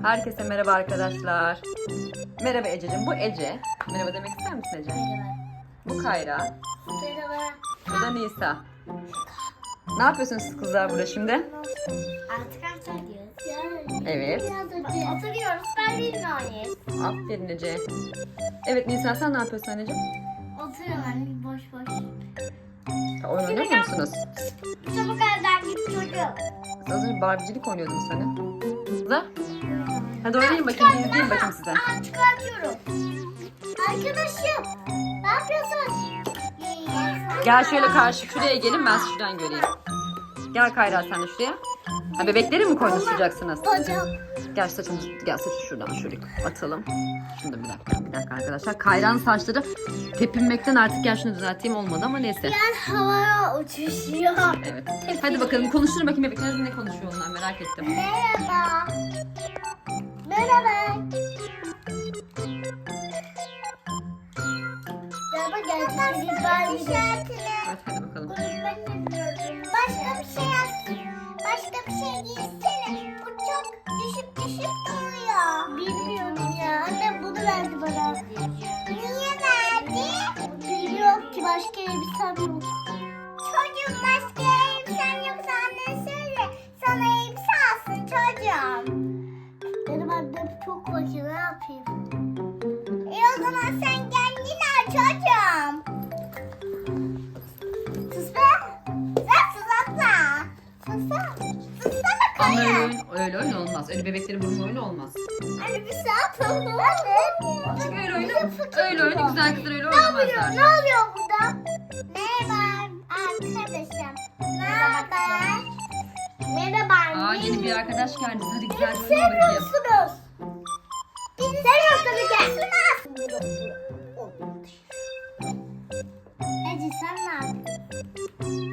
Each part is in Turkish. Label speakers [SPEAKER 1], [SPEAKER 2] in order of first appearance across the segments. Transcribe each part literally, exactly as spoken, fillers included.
[SPEAKER 1] Herkese merhaba arkadaşlar. Merhaba Ececiğim. Bu Ece. Merhaba demek ister misin Ece?
[SPEAKER 2] Merhaba.
[SPEAKER 1] Bu Kayra.
[SPEAKER 2] Merhaba.
[SPEAKER 1] Bu da Nisa. Ne yapıyorsunuz siz kızlar burada şimdi?
[SPEAKER 2] Artık hatırlıyoruz.
[SPEAKER 1] Evet.
[SPEAKER 2] Oturuyoruz. Ben bilmiyorum.
[SPEAKER 1] Aferin Ece. Evet Nisa, sen ne yapıyorsun anneciğim?
[SPEAKER 2] Oturuyorum anne boş boş.
[SPEAKER 1] Ha, oyun oynuyor musunuz?
[SPEAKER 2] Çabuk evden git çocuğum.
[SPEAKER 1] Siz az önce Barbie'cilik oynuyordunuz hani. Kızlar. Hadi oynayın bakayım. Bir izleyin bakayım size.
[SPEAKER 2] Aa, çıkartıyorum. Arkadaşım. Ne yapıyorsun?
[SPEAKER 1] Gel şöyle karşı şuraya gelin, ben sizi şuradan göreyim. Gel Kayra, sen de şuraya. Ha, bebekleri mi konuşacaksınız?
[SPEAKER 2] Hocam.
[SPEAKER 1] Gel saçımızı, gel saçı şuradan şöyle atalım. Şunu da bir dakika, bir dakika arkadaşlar. Kayra'nın saçları tepinmekten artık, gel şunu düzelteyim, olmadı ama neyse.
[SPEAKER 2] Ben havaya uçuşuyor.
[SPEAKER 1] Evet. Hadi bakalım konuşturun bakayım, bebekler ne konuşuyor onlar, merak ettim.
[SPEAKER 2] Merhaba. Merhaba. Merhaba geldik.
[SPEAKER 1] Evet, hadi bakalım.
[SPEAKER 2] Başka bir şey yaz. Başka bir şey giysene. Bu çok düşüp düşüp duruyor. Bilmiyorum ya. Annem bunu verdi bana. Niye verdi? Bilmiyorum ki, başka elbisem yok. Çocuğum, başka elbisen yoksa annen söyle. Sana elbise alsın çocuğum. Benim annem çok fakir, ne yapayım? E o zaman sen kendin al çocuğum. Sus be. Sen sus abla. Sussana. Sussana
[SPEAKER 1] Ama öyle
[SPEAKER 2] kaya.
[SPEAKER 1] oyun, öyle oyun olmaz. Öyle bebeklerin vurma oyunu olmaz.
[SPEAKER 2] Anne bir saat oldu. Anne.
[SPEAKER 1] Çünkü öyle oyunu, öyle oyunu güzel kızlar öyle
[SPEAKER 2] Ne oluyor?
[SPEAKER 1] oynamazlar.
[SPEAKER 2] Ne oluyor burada? Merhaba arkadaşım. Ne haber? Merhaba anne.
[SPEAKER 1] Aa, yeni bir arkadaş geldi. Hadi güzel
[SPEAKER 2] Bizi
[SPEAKER 1] kızına bakayım.
[SPEAKER 2] seviyorsunuz. Bizi seviyorsunuz. Gelsiniz. Ece sen ne yapıyorsun?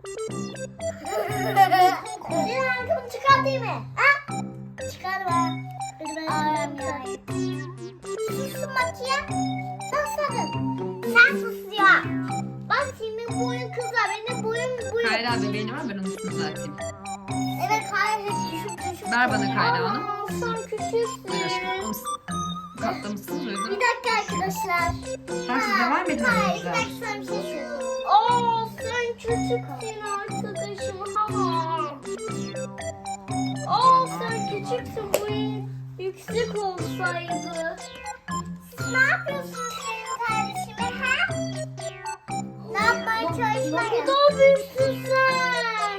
[SPEAKER 2] Senin arkamı çıkartayım mı? Ha? Çıkarma. Ağlamıyorum. Susun bakayım. Nasılsın? Sen sus ya. Bak senin boyun kısa. Benim boyum boyum.
[SPEAKER 1] Kayra bebeğini var, ben onu üstüne düzelteyim.
[SPEAKER 2] Evet Kayra hep düşüp düşüp.
[SPEAKER 1] Ver bana Kayra onu.
[SPEAKER 2] Aa, sen küçüksün.
[SPEAKER 1] Buyur aşkım. Onu s- katlamışsınız
[SPEAKER 2] Bir
[SPEAKER 1] uygun.
[SPEAKER 2] dakika arkadaşlar.
[SPEAKER 1] Tamam, siz devam edin.
[SPEAKER 2] Hayır,
[SPEAKER 1] aranızda.
[SPEAKER 2] ilk başta sana bir şey söyleyeyim. Aa, sen küçüksün arkadaşım. Ha. Aa, sen küçüksün. Boyun yüksek olsaydı. Siz ne yapıyorsunuz senin kardeşime, ha? Ne yapmaya çalışmayın? Ne kadar büyüksün sen.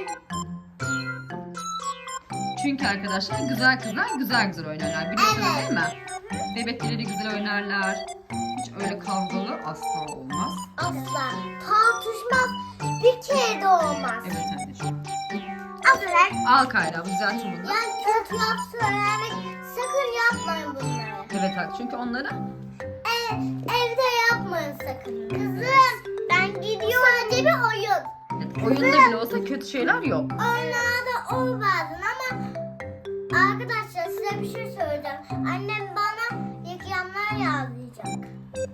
[SPEAKER 1] Çünkü arkadaşlar güzel kızlar güzel güzel oynarlar. Biliyorsunuz
[SPEAKER 2] Evet.
[SPEAKER 1] değil mi? Bebekleri güzel oynarlar. Hiç öyle kavgalı asla olmaz.
[SPEAKER 2] Asla. Tartışmaz. Bir kere de olmaz.
[SPEAKER 1] Evet anneciğim.
[SPEAKER 2] Aferin.
[SPEAKER 1] Al Kayra, bu güzel turunu.
[SPEAKER 2] Yani kötü laf söylemek sakın yapmayın bunları.
[SPEAKER 1] Evet hak, çünkü onları
[SPEAKER 2] E, evde yapmayın sakın. Kızım ben gidiyorum. Sadece bir oyun.
[SPEAKER 1] evet, oyunda bile olsa kötü şeyler yok.
[SPEAKER 2] Oyunlarda ol bazen ama arkadaşlar size bir şey söyleyeceğim. Annem bana yıkayanlar yazlayacak.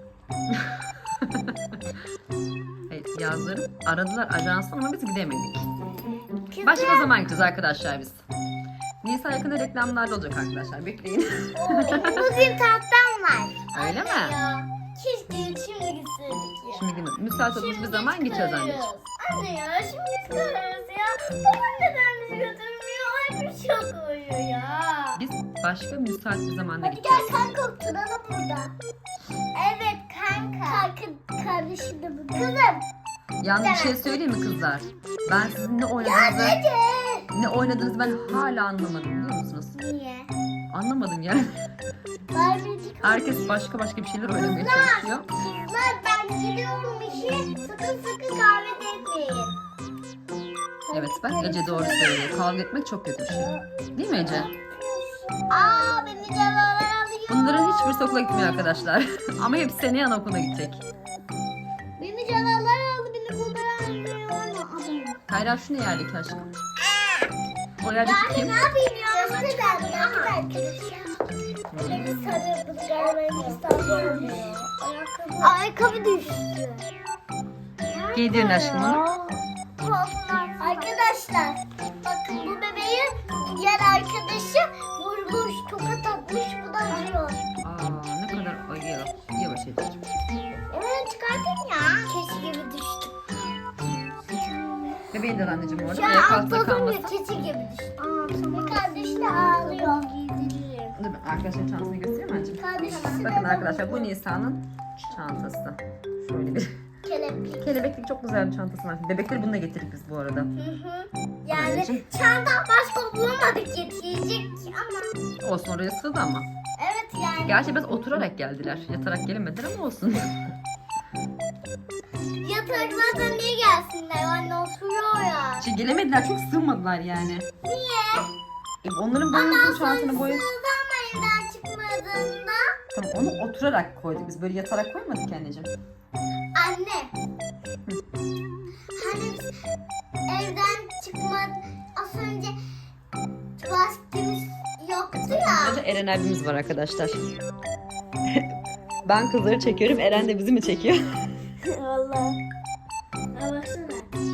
[SPEAKER 1] Evet, yazları aradılar ajanstan ama biz gidemedik.
[SPEAKER 2] Kızım,
[SPEAKER 1] Başka zaman gideceğiz arkadaşlar biz. Nisa yakında reklamlarda olacak arkadaşlar, bekleyin.
[SPEAKER 2] bugün tahtam var.
[SPEAKER 1] Öyle mi?
[SPEAKER 2] Ya, keşke şimdi gitseydik ya.
[SPEAKER 1] Şimdi gidelim. Müsait olduğumuz bir zaman gideceğiz anneciğim.
[SPEAKER 2] Anne ya şimdi çıkarırız ya. Babam neden bizi götürmüyor? Ay bir çok uyuyor ya.
[SPEAKER 1] Biz başka müsait bir zamanda
[SPEAKER 2] Hadi
[SPEAKER 1] gideceğiz.
[SPEAKER 2] gel kanka oturalım burada. Evet kanka. Kanka kardeşim de burada. Kızım.
[SPEAKER 1] Yalnız bir şey söyleyeyim mi kızlar? Ben sizin ne
[SPEAKER 2] Ya
[SPEAKER 1] oynadığınızı,
[SPEAKER 2] Ece.
[SPEAKER 1] ne oynadığınızı ben hala anlamadım, biliyor musunuz?
[SPEAKER 2] Niye?
[SPEAKER 1] Anlamadım yani.
[SPEAKER 2] Barbie'cik.
[SPEAKER 1] Herkes başka başka bir şeyler oynamaya
[SPEAKER 2] Kızlar.
[SPEAKER 1] çalışıyor.
[SPEAKER 2] Kızlar ben gidiyorum işe. Sakın sakın kahve etmeyin.
[SPEAKER 1] Evet bak, Ece doğru söylüyor. Kavga etmek çok kötü bir şey. Değil mi Ece?
[SPEAKER 2] Aa beni canavar alıyor.
[SPEAKER 1] Bunların hiçbirisi okula gitmiyor arkadaşlar. Ama hepsi seneye anaokuluna gidecek.
[SPEAKER 2] Beni canavar aldı. Beni buradan alıyor ama.
[SPEAKER 1] Kayra şu ne yerdeki aşkım? O yerdeki kim?
[SPEAKER 2] Ne yapayım ya? Ne ben? Arkadaşlar. Beni sarıyor. Bu galiba İstanbul. Ayakkabı. Ayakkabı düştü.
[SPEAKER 1] Giydirin aşkım onu.
[SPEAKER 2] Arkadaşlar bakın bu bebeği diğer arkadaşı vurmuş, tokat atmış.
[SPEAKER 1] bebeğin de anneciğim orada.
[SPEAKER 2] Şu an
[SPEAKER 1] Ayak altında
[SPEAKER 2] atladım
[SPEAKER 1] kalmasın.
[SPEAKER 2] ya keçi gibi düştü. Aa tamam. Kardeşi de ağlıyor.
[SPEAKER 1] Dur ben arkadaşlar çantasını göstereyim mi anneciğim?
[SPEAKER 2] Kardeşi
[SPEAKER 1] Bakın arkadaşlar bu Nisa'nın çantası. Şöyle bir
[SPEAKER 2] keleplik.
[SPEAKER 1] kelebeklik çok güzel bir çantası var. Bebekleri bununla getirdik biz bu arada.
[SPEAKER 2] Hı hı. Yani
[SPEAKER 1] Anneciğim.
[SPEAKER 2] çanta başka bulamadık getirecek ama.
[SPEAKER 1] Olsun oraya sığdı ama.
[SPEAKER 2] Evet yani.
[SPEAKER 1] Gerçi biraz oturarak geldiler. Yatarak gelemediler ama olsun.
[SPEAKER 2] Yataklardan niye gelsinler? Anne oturuyor ya.
[SPEAKER 1] Şey gelemediler çok sığmadılar yani.
[SPEAKER 2] Niye?
[SPEAKER 1] E, onların boyunca çantanın boyu.
[SPEAKER 2] Sığdı ama evden çıkmadığında.
[SPEAKER 1] Tamam onu oturarak koyduk biz böyle yatarak koymadık ki anneciğim.
[SPEAKER 2] Anne. Hani biz evden çıkmadı. Az önce vaktimiz yoktu ya.
[SPEAKER 1] Önce Eren abimiz var arkadaşlar. Ben kızları çekiyorum. Eren de bizi mi çekiyor?
[SPEAKER 2] Vallahi. Ha baksana.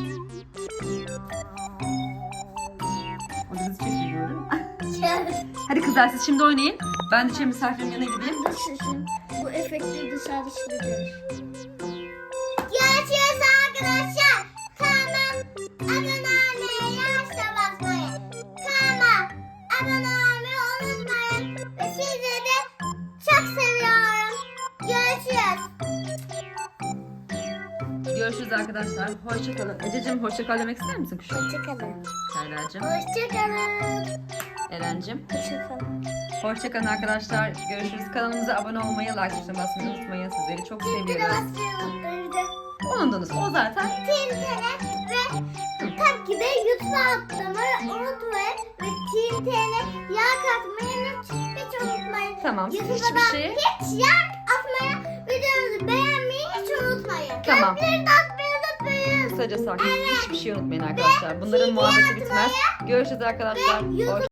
[SPEAKER 1] O da bizi çekiyor değil mi?
[SPEAKER 2] Gel.
[SPEAKER 1] Hadi kızlar siz şimdi oynayın. Ben de şimdi misafirin yanına gideyim.
[SPEAKER 2] Nasılsın? Bu efektleri dışarı çıkacağız. Görüşürüz arkadaşlar. Tamam. Abone olmayı, yaşa basmayı. Tamam. Abone olmayı unutmayın. Ve sizleri de çok seviyorum. Görüşürüz.
[SPEAKER 1] Görüşürüz arkadaşlar. Hoşçakalın. Ececiğim hoşçakal demek ister misin kuşum?
[SPEAKER 2] Hoşçakalın.
[SPEAKER 1] Serracığım.
[SPEAKER 2] Hoşçakalın.
[SPEAKER 1] Eren'cim.
[SPEAKER 2] Hoşçakalın.
[SPEAKER 1] Hoşçakalın arkadaşlar. Görüşürüz. Kanalımıza abone olmayı, like tuşuna basmayı unutmayın. Sizleri çok
[SPEAKER 2] Bir de
[SPEAKER 1] seviyoruz.
[SPEAKER 2] basıyorum.
[SPEAKER 1] Unuttunuz. O zaten.
[SPEAKER 2] Tintene ve tabii de YouTube'a atlamayı unutmayın. Ve Tintene yağ katmayı lütfen hiç unutmayın.
[SPEAKER 1] Tamam.
[SPEAKER 2] YouTube'a
[SPEAKER 1] Hiçbir
[SPEAKER 2] da
[SPEAKER 1] şey.
[SPEAKER 2] hiç yağ atmaya, videomuzu beğenmeyi hiç unutmayın.
[SPEAKER 1] Tamam.
[SPEAKER 2] Kalpleri de atmayı unutmayın.
[SPEAKER 1] Kısaca sakin. Hiçbir şey unutmayın arkadaşlar. Bunların muhabbeti bitmez. Görüşürüz arkadaşlar.
[SPEAKER 2] YouTube-
[SPEAKER 1] Hoş